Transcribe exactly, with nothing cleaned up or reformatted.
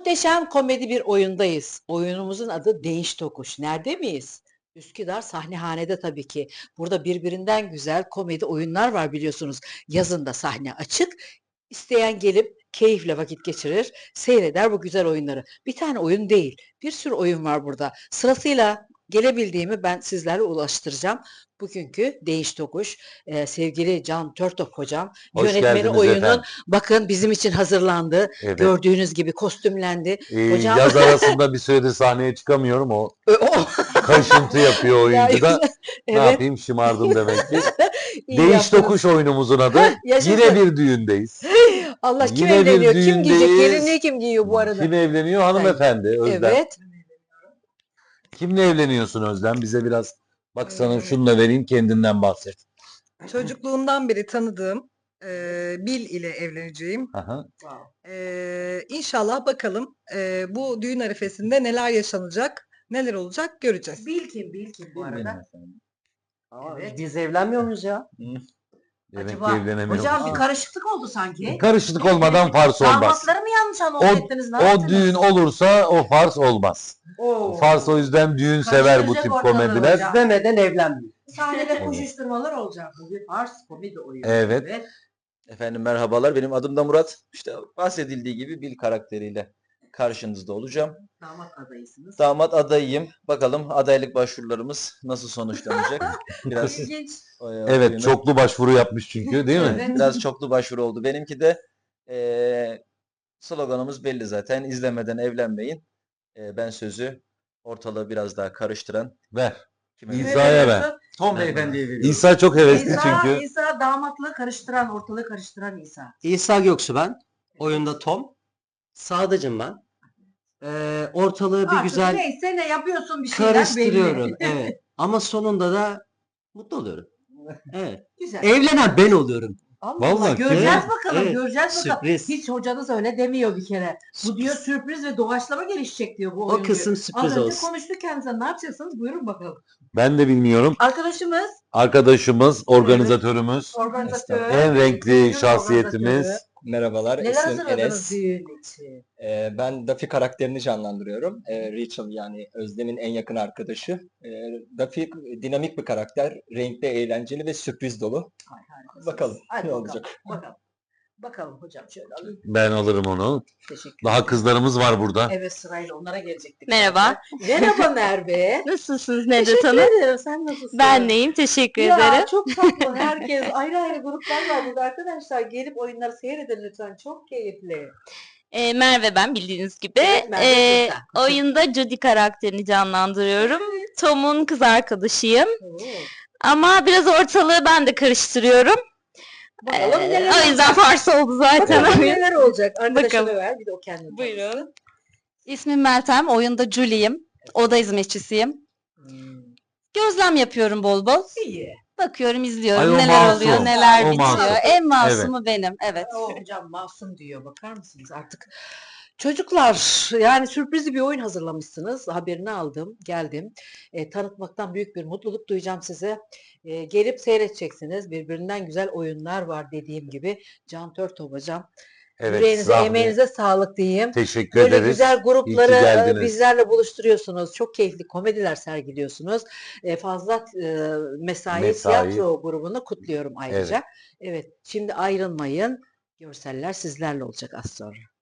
Muhteşem komedi bir oyundayız. Oyunumuzun adı Değiş Tokuş. Nerede miyiz? Üsküdar Sahnehane'de tabii ki. Burada birbirinden güzel komedi oyunlar var biliyorsunuz. Yazın da sahne açık. İsteyen gelip keyifle vakit geçirir, seyreder bu güzel oyunları. Bir tane oyun değil, bir sürü oyun var burada. Sırasıyla gelebildiğimi ben sizlerle ulaştıracağım. Bugünkü Değiş Tokuş, eee, sevgili Can Törtop hocam, Hoş yönetmeni geldiniz oyunun efendim. bakın bizim için hazırlandı. Evet. Gördüğünüz gibi kostümlendi. Ee, Hocam yaz arasında bir süredir sahneye çıkamıyorum. O Ö- o- kaşıntı yapıyor Ya, oyuncu da. Ne evet, yapayım, şımardım demek ki. iyi Değiş yaptınız. Tokuş oyunumuzun adı. Yaşasın. Yine bir düğündeyiz. Allah kim Yine bir evleniyor? Kim giyecek? düğündeyiz. Gelinliği kim giyiyor bu arada? Kim evleniyor? Hanımefendi Özlem. Evet. Kimle evleniyorsun Özlem? Bize biraz bak sana Ee, şunu da vereyim, kendinden bahset. Çocukluğumdan beri tanıdığım eee, Bil ile evleneceğim. Aha. Eee inşallah bakalım eee, bu düğün arifesinde neler yaşanacak, neler olacak göreceğiz. Bil kim? Bil kim bu arada? Aa, Evet. Biz evlenmiyor muyuz ya? Demek ki Acaba evlenemiyormuş. hocam bir Aa. karışıklık oldu sanki. Karışıklık olmadan fars olmaz. Damatları mı yanlış anons O, ettiniz? Ne o yaptınız? düğün olursa o fars olmaz. Oo. Fars o yüzden düğün sever bu Karıştıracak tip ortalığı komediler. hocam. Demeden evlenmiyor. Sahnede Evet. koşuşturmalar olacak. Bu bir farz komedi oyunu. Evet. Efendim merhabalar, benim adım da Murat. İşte bahsedildiği gibi Bil karakteriyle karşınızda olacağım. Damat adayısınız. Damat adayıyım. Bakalım adaylık başvurularımız nasıl sonuçlanacak? Biraz İlginç. o- Evet, oyunu- çoklu başvuru yapmış çünkü, değil mi? Evet. biraz çoklu başvuru oldu. Benimki de eee, sloganımız belli zaten. İzlemeden evlenmeyin. Eee, ben sözü ortalığı biraz daha karıştıran Ver. kime İsa- Kime İsa'ya ver. veriyorsun? Tom Merhaba. Beyefendi'ye veriyorum. İsa çok hevesli İsa, çünkü. İsa damatlığı karıştıran, ortalığı karıştıran İsa. İsa Göksu ben. Oyunda Tom. Sadıcım ben. Ee, ortalığı bir Artık güzel neyse ne yapıyorsun bir şeyler karıştırıyorum. belli. Evet. Ama sonunda da mutlu oluyorum. Evet. Güzel. Evlenen ben oluyorum. Allah Vallahi Allah, göreceğiz evet, bakalım, evet. göreceğiz bakalım. Sürpriz. Hiç hocanız öyle demiyor bir kere. Bu diyor sürpriz ve doğaçlama gelişecek diyor bu O oyun diyor. kısım sürpriz Az önce olsun. konuştuk kendisine, ne yapacaksınız? Buyurun bakalım. Ben de bilmiyorum. Arkadaşımız, Arkadaşımız, organizatörümüz, organizatör, en renkli düğün şahsiyetimiz. organizatörü. Merhabalar, Neler ismim hazırladınız Enes. düğün için? Ee, ben Duffy karakterini canlandırıyorum. Ee, Rachel yani Özlem'in en yakın arkadaşı. Ee, Duffy dinamik bir karakter, renkli, eğlenceli ve sürpriz dolu. Ay, harikasınız. Bakalım Hadi ne bakalım, olacak. Bakalım. Bakalım hocam şöyle alayım. Ben alırım onu. Teşekkür Daha ederim. kızlarımız var burada. Evet, sırayla onlara gelecektik. Merhaba. zaten. Merhaba Merve. Nasılsınız Nedet Teşekkür Hanım? ederim. Sen nasılsın? Ben neyim? Teşekkür Ya ederim. çok tatlı. Herkes ayrı ayrı gruplar var burada arkadaşlar. Gelip oyunları seyredin lütfen. Çok keyifli. Ee, Merve ben bildiğiniz gibi. Evet, Merve Ee, Sultan. oyunda Judy karakterini canlandırıyorum. Tom'un kız arkadaşıyım. Oo. Ama biraz ortalığı ben de karıştırıyorum. Bakalım Ee, neler o yüzden farsa oldu Bakalım zaten. neler olacak. Arkadaşına Bakalım. ver. Bir de o kendini Buyurun. tanısın. İsmim Meltem, oyunda Julie'yim. Oda hizmetçisiyim. Hmm. Gözlem yapıyorum bol bol. İyi. Bakıyorum, izliyorum Ay, o neler masum, oluyor, neler o bitiyor. masum. En masumu benim, evet. O hocam masum diyor. Bakar mısınız artık? Çocuklar, yani sürprizli bir oyun hazırlamışsınız. Haberini aldım, geldim. E, tanıtmaktan büyük bir mutluluk duyacağım size. E, gelip seyredeceksiniz. Birbirinden güzel oyunlar var dediğim gibi. Can Törtop hocam. Evet, Yüreğinize, Zahmi. emeğinize sağlık diyeyim. Teşekkür Böyle ederiz. güzel İyi grupları ki e, geldiniz. bizlerle buluşturuyorsunuz. Çok keyifli komediler sergiliyorsunuz. E, fazla e, mesai, Mesai. tiyatro grubunu kutluyorum ayrıca. Evet, şimdi ayrılmayın. Görseller sizlerle olacak az sonra.